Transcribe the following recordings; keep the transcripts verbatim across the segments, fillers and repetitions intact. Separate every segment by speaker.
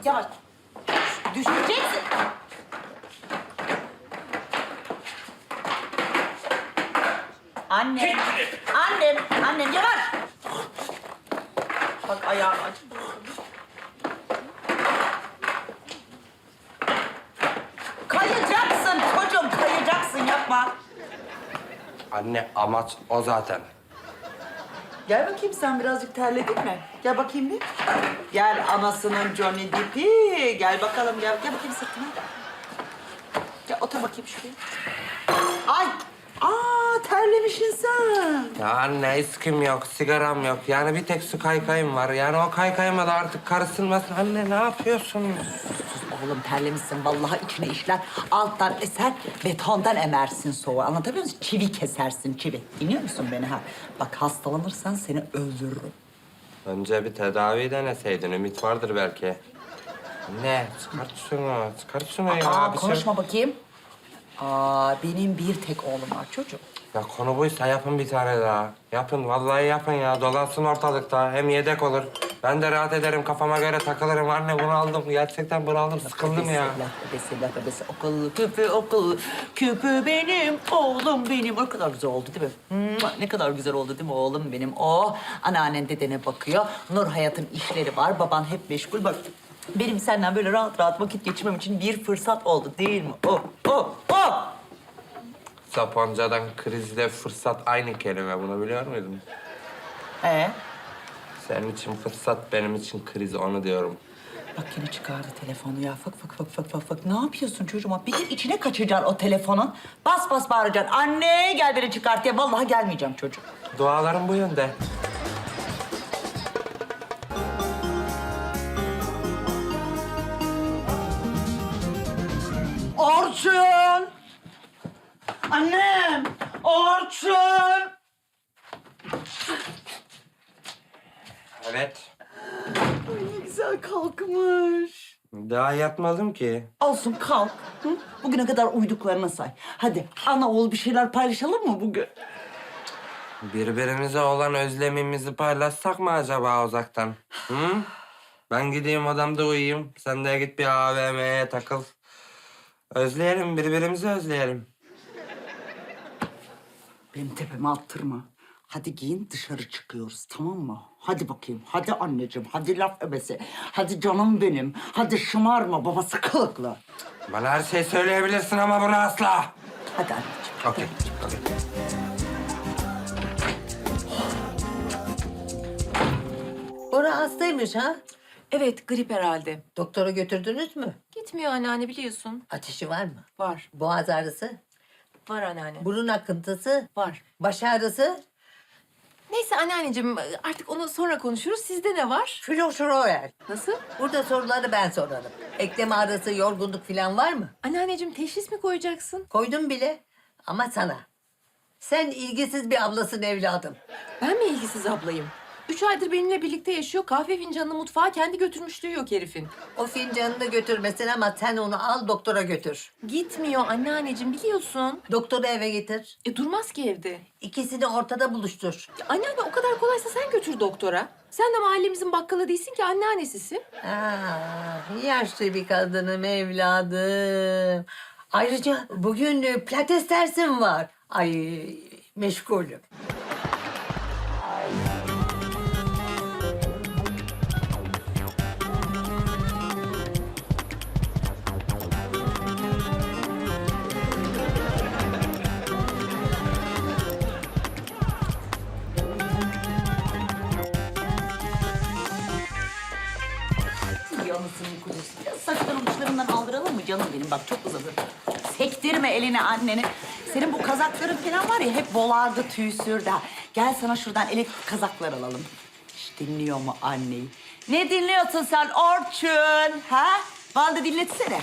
Speaker 1: yavaş. Düşeceksin. Annem, annem, annem yavaş. Bak ayağım acıdı. Kayacaksın çocuğum, kayacaksın yapma.
Speaker 2: Anne amaç o zaten.
Speaker 1: Gel bakayım sen birazcık terledin mi? Gel bakayım bir. Gel anasının Johnny Depp'i. Gel bakalım gel. Gel bakayım sırtıma. Gel otur bakayım şuraya. Ay! Aa terlemişsin sen.
Speaker 2: Ya anne iskim yok, sigaram yok. Yani bir tek su kaykayım var. Yani o kaykayıma da artık karışılmasın. Anne ne yapıyorsun?
Speaker 1: Oğlum terlemişsin. Vallahi içine işler. Alttan eser, betondan emersin soğuğu. Anlatabiliyor musun? Çivi kesersin çivi. Dinliyor musun beni ha? Bak hastalanırsan seni öldürürüm.
Speaker 2: Önce bir tedavi deneseydin. Ümit vardır belki. Anne çıkart şunu, çıkart şunu ya.
Speaker 1: Aa,
Speaker 2: Bir şey-
Speaker 1: konuşma bakayım. Aa, benim bir tek oğlum var çocuğum.
Speaker 2: Ya konu buysa yapın bir tane daha. Yapın, vallahi yapın ya. Dolansın ortalıkta. Hem yedek olur. Ben de rahat ederim, kafama göre takılırım. Anne bunu aldım. Gerçekten bunu aldım. Sıkıldım ya.
Speaker 1: Bebesi, laf bebesi, okullu küpü, okullu küpü benim, oğlum benim. O kadar güzel oldu değil mi? Mua, ne kadar güzel oldu değil mi oğlum benim? O anneannen dedene bakıyor. Nur Hayat'ın işleri var, baban hep meşgul. Bak benim senden böyle rahat rahat vakit geçirmem için bir fırsat oldu değil mi? O, o, o!
Speaker 2: Sapanca'dan krizle fırsat aynı kelime. Bunu biliyor muydun?
Speaker 1: Ee?
Speaker 2: Senin için fırsat, benim için kriz. Onu diyorum.
Speaker 1: Bak yine çıkardı telefonu ya. Fık fık fık fık fık fık. Ne yapıyorsun çocuğuma? Bir de içine kaçacaksın o telefonun. Bas bas bağıracaksın. Anne gel beni çıkart diye. Vallahi gelmeyeceğim çocuğum.
Speaker 2: Dualarım bu yönde.
Speaker 1: Orçun! Annem! Orçun!
Speaker 2: Evet.
Speaker 1: Ay ne güzel kalkmış.
Speaker 2: Daha yatmadım ki.
Speaker 1: Olsun kalk. Hı? Bugüne kadar uyduklarına say. Hadi ana oğul bir şeyler paylaşalım mı bugün?
Speaker 2: Birbirimize olan özlemimizi paylaşsak mı acaba uzaktan? Hı? Ben gideyim odamda uyuyayım. Sen de git bir A V M'ye takıl. Özleyelim, birbirimizi özleyelim.
Speaker 1: Benim tepeme attırma. Hadi giyin dışarı çıkıyoruz tamam mı? Hadi bakayım. Hadi anneciğim. Hadi laf ebesi. Hadi canım benim. Hadi şımarma babası kılıklı.
Speaker 2: Bana her şeyi söyleyebilirsin ama bunu asla.
Speaker 1: Hadi anneciğim.
Speaker 2: Okey, okey.
Speaker 3: Bora hastaymış ha?
Speaker 4: Evet, grip herhalde.
Speaker 3: Doktora götürdünüz mü?
Speaker 4: Gitmiyor anneanne biliyorsun.
Speaker 3: Ateşi var mı?
Speaker 4: Var.
Speaker 3: Boğaz ağrısı?
Speaker 4: Var anneanne.
Speaker 3: Burun akıntısı?
Speaker 4: Var.
Speaker 3: Baş ağrısı?
Speaker 4: Neyse anneanneciğim artık onu sonra konuşuruz. Sizde ne var?
Speaker 3: Florşoroel.
Speaker 4: Nasıl?
Speaker 3: Burada soruları ben sorarım. Eklem ağrısı, yorgunluk falan var mı?
Speaker 4: Anneanneciğim teşhis mi koyacaksın?
Speaker 3: Koydum bile ama sana. Sen ilgisiz bir ablasın evladım.
Speaker 4: Ben mi ilgisiz ablayım? Üç aydır benimle birlikte yaşıyor. Kahve fincanını mutfağa kendi götürmüşlüğü yok herifin.
Speaker 3: O fincanını götürmesin ama sen onu al doktora götür.
Speaker 4: Gitmiyor anneanneciğim biliyorsun.
Speaker 3: Doktoru eve getir.
Speaker 4: E durmaz ki evde.
Speaker 3: İkisini ortada buluştur.
Speaker 4: Ya, anneanne o kadar kolaysa sen götür doktora. Sen de mahallemizin bakkalı değilsin ki anneannesisin.
Speaker 3: Ah, yaşlı bir kadınım evladım. Ayrıca bugün e, pilates dersim var. Ay meşgulüm.
Speaker 1: Yanısının kuzusu. Ya saçların uçlarından aldıralım mı canım benim? Bak çok uzadı. Sektirme elini anneni. Senin bu kazakların falan var ya hep bolardı, tüy sürdü. ha. Gel sana şuradan elektrik kazaklar alalım. Hiç dinliyor mu anneyi? Ne dinliyorsun sen Orçun? Ha? Bana da dinletsene.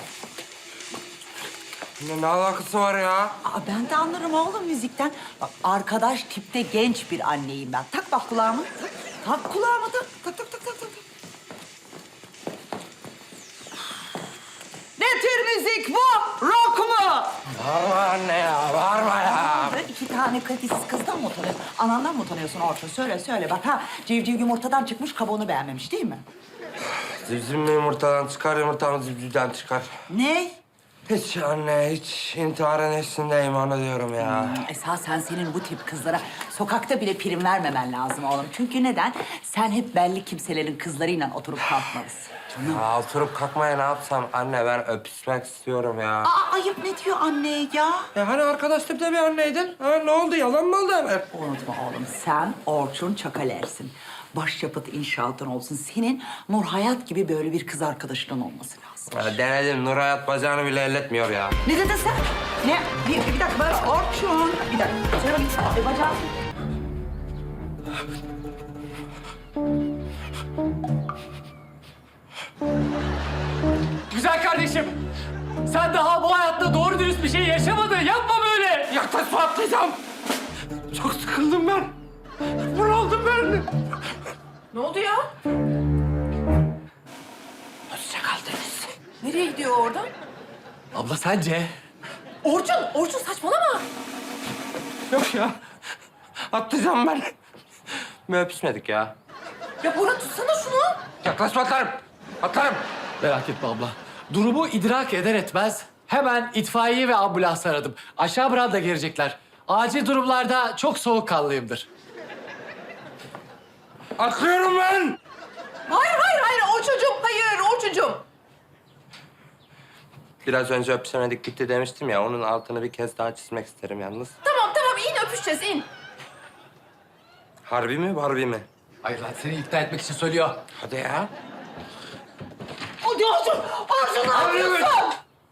Speaker 2: Ne, ne alakası var ya?
Speaker 1: Aa, ben de anlarım oğlum müzikten. Bak arkadaş tipte genç bir anneyim ben. Tak bak kulağıma. Tak, tak kulağıma tak. Tak tak tak tak tak. Ne tür müzik bu? Rock mu?
Speaker 2: Bağırma anne ya, bağırma ya.
Speaker 1: İki tane kalitesiz kızdan mı utanıyorsun? Anandan mı utanıyorsun Orçun? Söyle söyle bak ha. Civciv yumurtadan çıkmış kabuğunu beğenmemiş değil mi?
Speaker 2: Zivziv mi yumurtadan çıkar, yumurtanın zivzivden çıkar.
Speaker 1: Ne?
Speaker 2: Hiç anne, hiç intiharın eşiğindeyim onu diyorum ya.
Speaker 1: Esasen senin bu tip kızlara sokakta bile prim vermemen lazım oğlum. Çünkü neden? Sen hep belli kimselerin kızlarıyla oturup kalkmalısın.
Speaker 2: Ya oturup kalkmaya ne yapsam anne ben öpüşmek istiyorum ya.
Speaker 1: Aa, ayıp ne diyor anne ya?
Speaker 2: Ya hani arkadaşlıkta bir anneydin? Ha, ne oldu? Yalan mı oldu hemen?
Speaker 1: Unutma oğlum, sen Orçun Çakaler'sin. Başyapıt inşaatın olsun. Senin Nur Hayat gibi böyle bir kız arkadaşının olması lazım.
Speaker 2: Ya denedim. Nur Hayat bacağını bile elletmiyor ya.
Speaker 1: Ne dedin sen? Ne? Bir, bir dakika, böyle Orçun. Bir dakika, şöyle bakayım. E, bacağım.
Speaker 5: Güzel kardeşim. Sen daha bu hayatta doğru dürüst bir şey yaşamadın. Yapma böyle.
Speaker 2: Yaklaşma atlayacağım. Çok sıkıldım ben. Bunaldım ben.
Speaker 4: Ne oldu ya?
Speaker 2: Hoşça kal Deniz.
Speaker 4: Nereye gidiyor oradan?
Speaker 5: Abla sence?
Speaker 4: Orçun, Orçun saçmalama.
Speaker 2: Yok ya. Atlayacağım ben. Mi öpüşmedik ya?
Speaker 4: Ya Bora tutsana şunu.
Speaker 2: Yaklaşma atlarım. Atlarım.
Speaker 5: Merak etme abla. Durumu idrak eder etmez hemen itfaiye ve ambulans aradım. Aşağı branda gelecekler. Acil durumlarda çok soğukkanlıyımdır.
Speaker 2: Atlıyorum ben.
Speaker 4: Hayır, hayır, hayır. Orçuncum, hayır, Orçuncum.
Speaker 2: Biraz önce öpüşemedik gitti demiştim ya. Onun altını bir kez daha çizmek isterim yalnız.
Speaker 4: Tamam, tamam. in öpüşeceğiz, in.
Speaker 2: Harbi mi, Barbie mi?
Speaker 5: Hayır lan seni ikna etmek için söylüyor.
Speaker 2: Hadi ya.
Speaker 1: Hadi Orçun! Orçun ne yapıyorsun?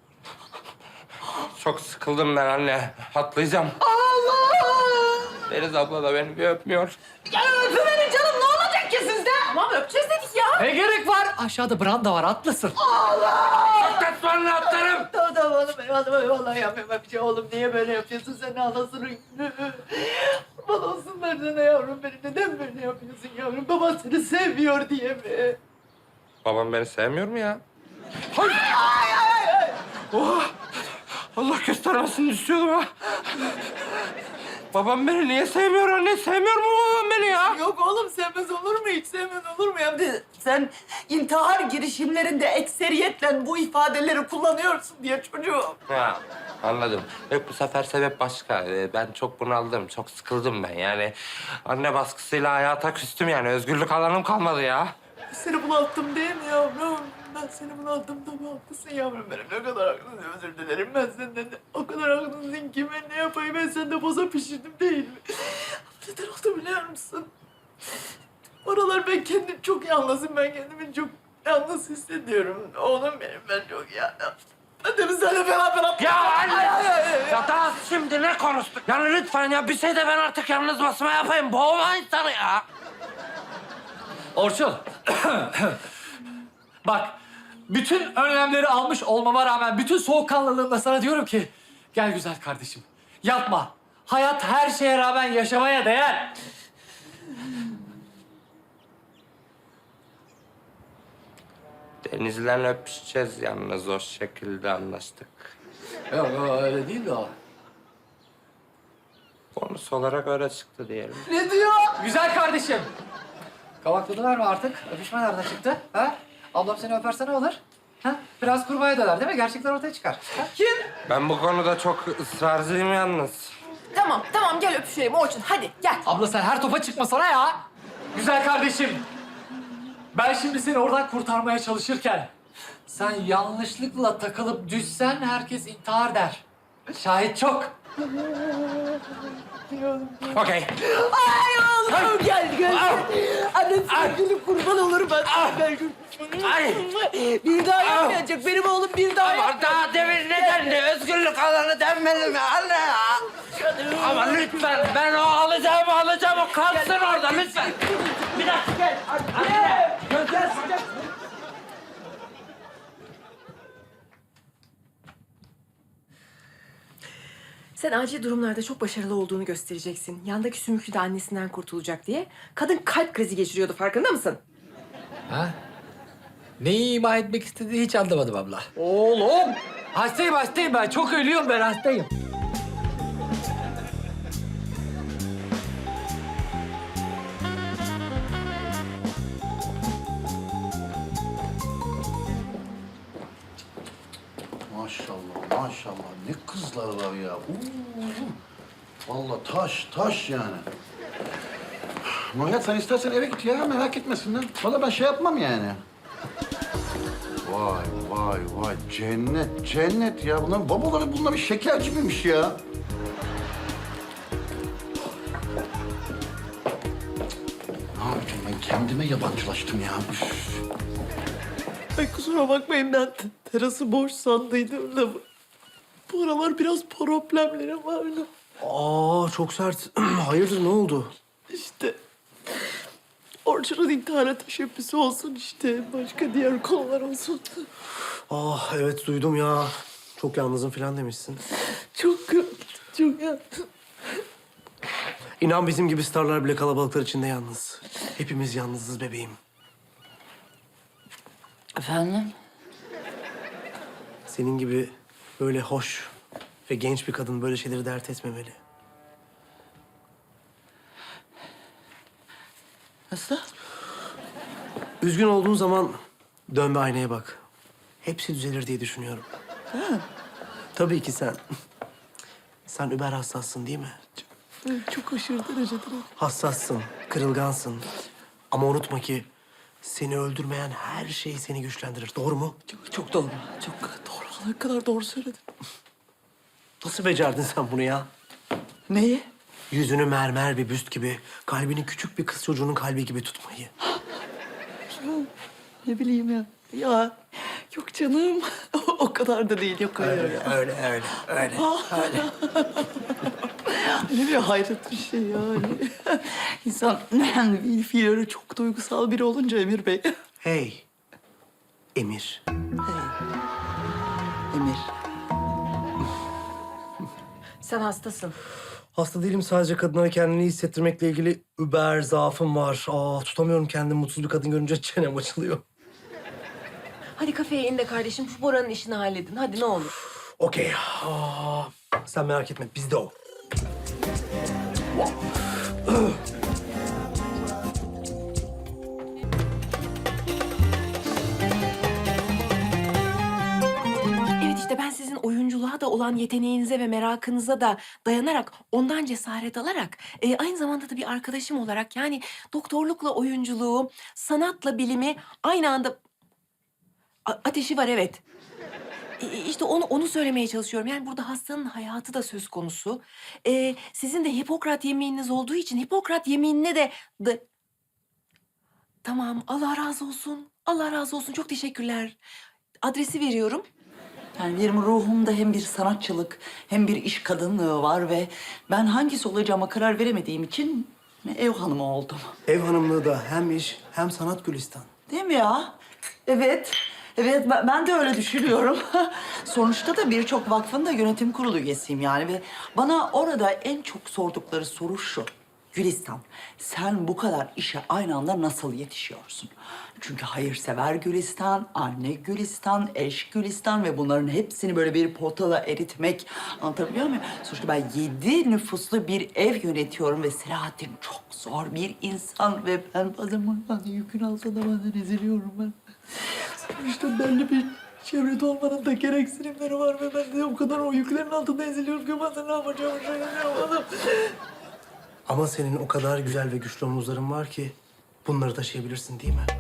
Speaker 2: Çok sıkıldım ben anne. Atlayacağım.
Speaker 1: Allah!
Speaker 2: Deniz abla da beni bir öpmüyor.
Speaker 1: Ya öpüverin canım, ne olacak ki sizde?
Speaker 4: Tamam, öpeceğiz dedik ya.
Speaker 5: Ne gerek var? Aşağıda branda var atlasın.
Speaker 2: Atlatmanla atlarım.
Speaker 3: Tamam tamam oğlum eyvallah eyvallah yapma bir şey oğlum niye böyle yapıyorsun sen anasını Kurban olsunlar sana yavrum benim neden böyle yapıyorsun yavrum baban seni sevmiyor diye mi?
Speaker 2: Babam beni sevmiyor mu ya? Hayır. Ay, ay, ay. Oh. Allah göstermesin istiyordum ha. Babam beni niye sevmiyor anne? Sevmiyor mu babam beni ya?
Speaker 3: Yok oğlum sevmez olur mu hiç sevmez olur mu ya?
Speaker 1: Sen intihar girişimlerinde ekseriyetle bu ifadeleri kullanıyorsun diye çocuğum.
Speaker 2: Ha, anladım. Yok bu sefer sebep başka. Ee, Ben çok bunaldım, çok sıkıldım ben yani. Anne baskısıyla hayata küstüm yani. Özgürlük alanım kalmadı ya.
Speaker 3: Seni bunalttım değil mi yavrum? Ben seni bunalttım tabii haklısın yavrum benim. Ne kadar haklısın özür dilerim ben senden de. O kadar haklısın ki ben ne yapayım ben sende boza pişirdim değil mi? Neden oldu biliyor musun? Oralar ben kendim çok yalnızım. Ben kendimi çok yalnız hissediyorum. Oğlum benim ben çok yalnız. Hadi biz seninle beraber atlayalım.
Speaker 2: Ya anne!
Speaker 3: Ay, ay, ay, ay.
Speaker 2: Ya daha şimdi ne konuştuk? Yani lütfen ya bir şey de ben artık yalnız basma yapayım. Boğma insanı ya.
Speaker 5: Orçun. Bak, bütün önlemleri almış olmama rağmen bütün soğukkanlılığımla sana diyorum ki... Gel güzel kardeşim, yapma. Hayat her şeye rağmen yaşamaya değer.
Speaker 2: Deniz'le öpüşeceğiz yalnız o şekilde anlaştık.
Speaker 5: Yok, yok öyle değil de o.
Speaker 2: Konusu olarak öyle çıktı diyelim.
Speaker 3: Ne diyor?
Speaker 5: Güzel kardeşim. Kavakladılar mı artık? Öpüşme nereden çıktı? Ha? Ablam seni öperse ne olur? Ha? Biraz kurbağaya döner değil mi? Gerçekler ortaya çıkar. Ha?
Speaker 3: Kim?
Speaker 2: Ben bu konuda çok ısrarcıyım yalnız.
Speaker 4: Tamam, tamam. Gel öpüşelim Orçun. Hadi gel.
Speaker 5: Abla sen her topa çıkmasana ya. Güzel kardeşim. Ben şimdi seni oradan kurtarmaya çalışırken... ...sen yanlışlıkla takılıp düşsen herkes intihar der. Şahit çok.
Speaker 2: Okey.
Speaker 3: Ay Allah'ım gel gel. Anne sevgilim kurban olur ben. Ben
Speaker 2: Ay.
Speaker 3: bir daha yapmayacak. Benim oğlum bir daha
Speaker 2: Ama
Speaker 3: yapmayacak.
Speaker 2: daha demin ne dendi? Özgürlük alanı denmedi mi anne ya? Ama lütfen ben o alacağımı alacağım. O kalsın orada lütfen. Bir dakika.
Speaker 3: Gel. Anne. Gel.
Speaker 4: Sen acil durumlarda çok başarılı olduğunu göstereceksin. Yandaki sümüklü de annesinden kurtulacak diye. Kadın kalp krizi geçiriyordu, farkında mısın?
Speaker 5: Ha? Neyi ima etmek istediğini hiç anlamadım abla. Oğlum! Hastayım hastayım ben. Çok ölüyorum ben hastayım.
Speaker 6: maşallah ne kızlar var ya. Oo. Vallahi taş, taş yani. Murat sen istersen eve git ya, merak etmesinler. Vallahi ben şey yapmam yani. Vay vay vay, cennet, cennet ya. Bunların babaları bunlar bir şeker gibiymiş ya. Ne yapacağım ben? Kendime yabancılaştım ya. Üf.
Speaker 3: Ay kusura bakmayın ben te- terası boş sandıydım da bu, bu aralar biraz problemlerim vardı.
Speaker 7: Aa çok sert. Hayırdır ne oldu?
Speaker 3: İşte Orçun'un intihara teşebbüsü olsun işte. Başka diğer konular olsun.
Speaker 7: Ah evet duydum ya. Çok yalnızım falan demişsin.
Speaker 3: Çok çok ya.
Speaker 7: İnan bizim gibi starlar bile kalabalıklar içinde yalnız. Hepimiz yalnızız bebeğim.
Speaker 1: Efendim?
Speaker 7: Senin gibi böyle hoş ve genç bir kadın böyle şeyleri dert etmemeli.
Speaker 3: Nasıl?
Speaker 7: Üzgün olduğun zaman dön bir aynaya bak. Hepsi düzelir diye düşünüyorum. Tabii ki sen. Sen über hassassın değil mi?
Speaker 3: Çok aşırı derecede.
Speaker 7: Hassassın, kırılgansın. Ama unutma ki seni öldürmeyen her şey seni güçlendirir. Doğru mu?
Speaker 3: Çok, çok doğru. Çok doğru. Ne kadar doğru söyledin.
Speaker 7: Nasıl becerdin sen bunu ya?
Speaker 3: Neyi?
Speaker 7: Yüzünü mermer bir büst gibi, kalbini küçük bir kız çocuğunun kalbi gibi tutmayı.
Speaker 3: Ne bileyim ya. Ya yok canım. O kadar da değil. Yok öyle.
Speaker 7: Öyle, öyle, öyle, öyle. öyle.
Speaker 3: Ne bir hayret bir şey yani. İnsan bir fiilleri çok duygusal biri olunca Emir Bey.
Speaker 7: Hey, Emir.
Speaker 3: Emir.
Speaker 4: Sen hastasın.
Speaker 7: Hasta değilim, sadece kadınlara kendini iyi hissettirmekle ilgili über zaafım var. Aa, tutamıyorum kendimi, mutsuz bir kadın görünce çenem açılıyor.
Speaker 4: Hadi kafeye in de kardeşim şu Bora'nın işini halledin. Hadi ne olur.
Speaker 7: Okey. Aa, sen merak etme, bizde o.
Speaker 4: Evet işte ben sizin oyunculuğa da olan yeteneğinize ve merakınıza da dayanarak, ondan cesaret alarak, e, aynı zamanda da bir arkadaşım olarak yani doktorlukla oyunculuğu, sanatla bilimi aynı anda... A- ateşi var evet. E, işte onu onu söylemeye çalışıyorum. Yani burada hastanın hayatı da söz konusu. E, sizin de Hipokrat yemininiz olduğu için Hipokrat yeminine de... de... Tamam, Allah razı olsun. Allah razı olsun. Çok teşekkürler. Adresi veriyorum.
Speaker 1: Yani benim ruhumda hem bir sanatçılık hem bir iş kadınlığı var ve ben hangisi olacağıma karar veremediğim için ev hanımı oldum.
Speaker 7: Ev hanımlığı da hem iş hem sanat Gülistan.
Speaker 1: Değil mi ya? Evet. Evet ben, ben de öyle düşünüyorum. Sonuçta da birçok vakfın da yönetim kurulu üyesiyim yani ve bana orada en çok sordukları soru şu. Gülistan, sen bu kadar işe aynı anda nasıl yetişiyorsun? Çünkü hayırsever Gülistan, anne Gülistan, eş Gülistan ve bunların hepsini böyle bir potala eritmek, anlatabiliyor muyum? Sonuçta ben yedi nüfuslu bir ev yönetiyorum ve Selahattin çok zor bir insan ve ben bazen bundan yükün altında bazen eziliyorum ben. Sonuçta belli bir çevrede olmanın da gereksinimleri var ve ben de o kadar o yüklerin altında eziliyorum ki bazen ne yapacağımı şaşırıyorum.
Speaker 7: Ama senin o kadar güzel ve güçlü omuzların var ki bunları taşıyabilirsin değil mi?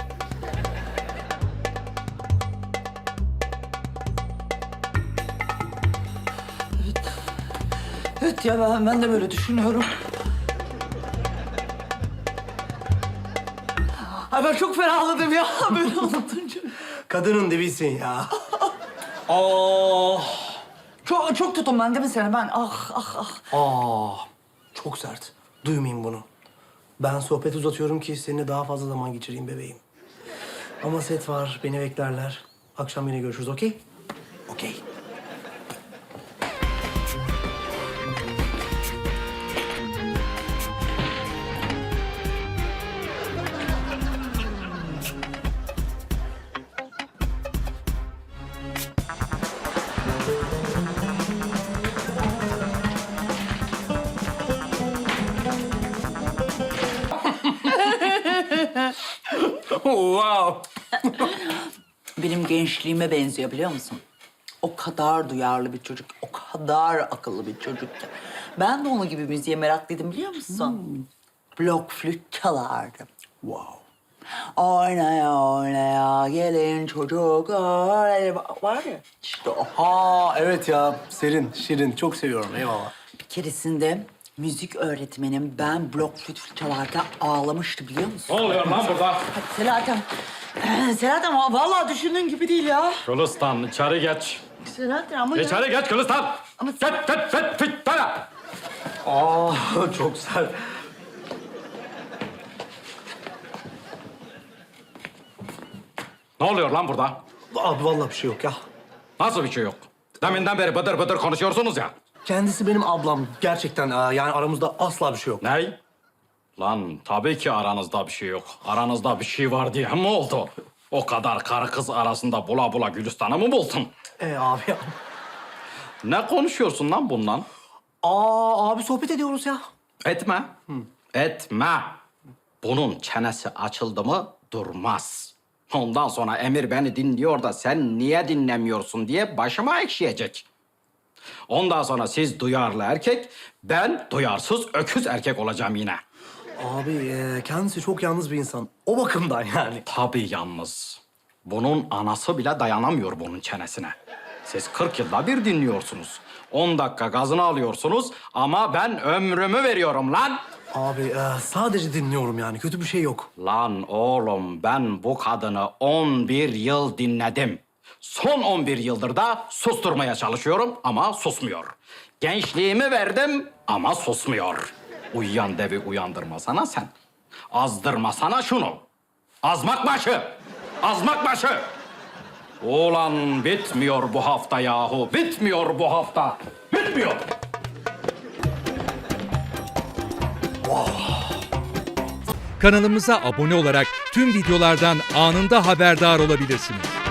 Speaker 1: Evet ya ben, ben de böyle düşünüyorum. Ay ben çok ferahladım ya böyle anlatınca.
Speaker 7: Kadının dibisin ya.
Speaker 1: Aa, çok çok tutun ben değil mi seni? Ben ah ah ah.
Speaker 7: Aa, çok sert. Duymayayım bunu. Ben sohbet uzatıyorum ki seninle daha fazla zaman geçireyim bebeğim. Ama set var, beni beklerler. Akşam yine görüşürüz, okey? Okey.
Speaker 2: Wow.
Speaker 1: Benim gençliğime benziyor biliyor musun? O kadar duyarlı bir çocuk, o kadar akıllı bir çocuk ki. Ben de onun gibi müziğe meraklıydım biliyor musun? Blok flüt çalardım.
Speaker 7: Wow.
Speaker 1: Oynaya oynaya gelin çocuklar. Var ya işte o.
Speaker 7: Ha evet ya. Serin, şirin. Çok seviyorum. Eyvallah.
Speaker 1: Bir keresinde müzik öğretmenim ben blok flüt çalarken ağlamıştı biliyor musun?
Speaker 8: Ne oluyor lan burada?
Speaker 1: Hadi Selahattin. Selahattin vallahi düşündüğün gibi değil ya.
Speaker 8: Gülistan içeri geç.
Speaker 1: Selahattin ama ya.
Speaker 8: İçeri geç Gülistan.
Speaker 1: Ama-
Speaker 8: Geç geç geç geç bana.
Speaker 7: Aa çok sert.
Speaker 8: Ne oluyor lan burada?
Speaker 7: Abi vallahi bir şey yok ya.
Speaker 8: Nasıl bir şey yok? Deminden beri bıdır bıdır konuşuyorsunuz ya.
Speaker 7: Kendisi benim ablam. Gerçekten aa, yani aramızda asla bir şey yok.
Speaker 8: Ney? Lan tabii ki aranızda bir şey yok. Aranızda bir şey var diye mi oldu? O kadar karı kız arasında bula bula Gülistan'ı mı buldun?
Speaker 7: Ee abi ya.
Speaker 8: Ne konuşuyorsun lan bundan?
Speaker 7: Aa abi sohbet ediyoruz ya.
Speaker 8: Etme. Etme. Bunun çenesi açıldı mı durmaz. Ondan sonra Emir beni dinliyor da sen niye dinlemiyorsun diye başıma ekşiyecek. Ondan sonra siz duyarlı erkek, ben duyarsız öküz erkek olacağım yine.
Speaker 7: Abi e, kendisi çok yalnız bir insan. O bakımdan yani.
Speaker 8: Tabii yalnız. Bunun anası bile dayanamıyor bunun çenesine. Siz kırk yılda bir dinliyorsunuz. On dakika gazını alıyorsunuz ama ben ömrümü veriyorum lan.
Speaker 7: Abi e, sadece dinliyorum yani. Kötü bir şey yok.
Speaker 8: Lan oğlum ben bu kadını on bir yıl dinledim. Son on bir yıldır da susturmaya çalışıyorum ama susmuyor. Gençliğimi verdim ama susmuyor. Uyuyan devi uyandırmasana sen. Azdırmasana şunu. Azmak başı. Azmak başı. Ulan bitmiyor bu hafta yahu. Bitmiyor bu hafta. Bitmiyor.
Speaker 9: Kanalımıza abone olarak tüm videolardan anında haberdar olabilirsiniz.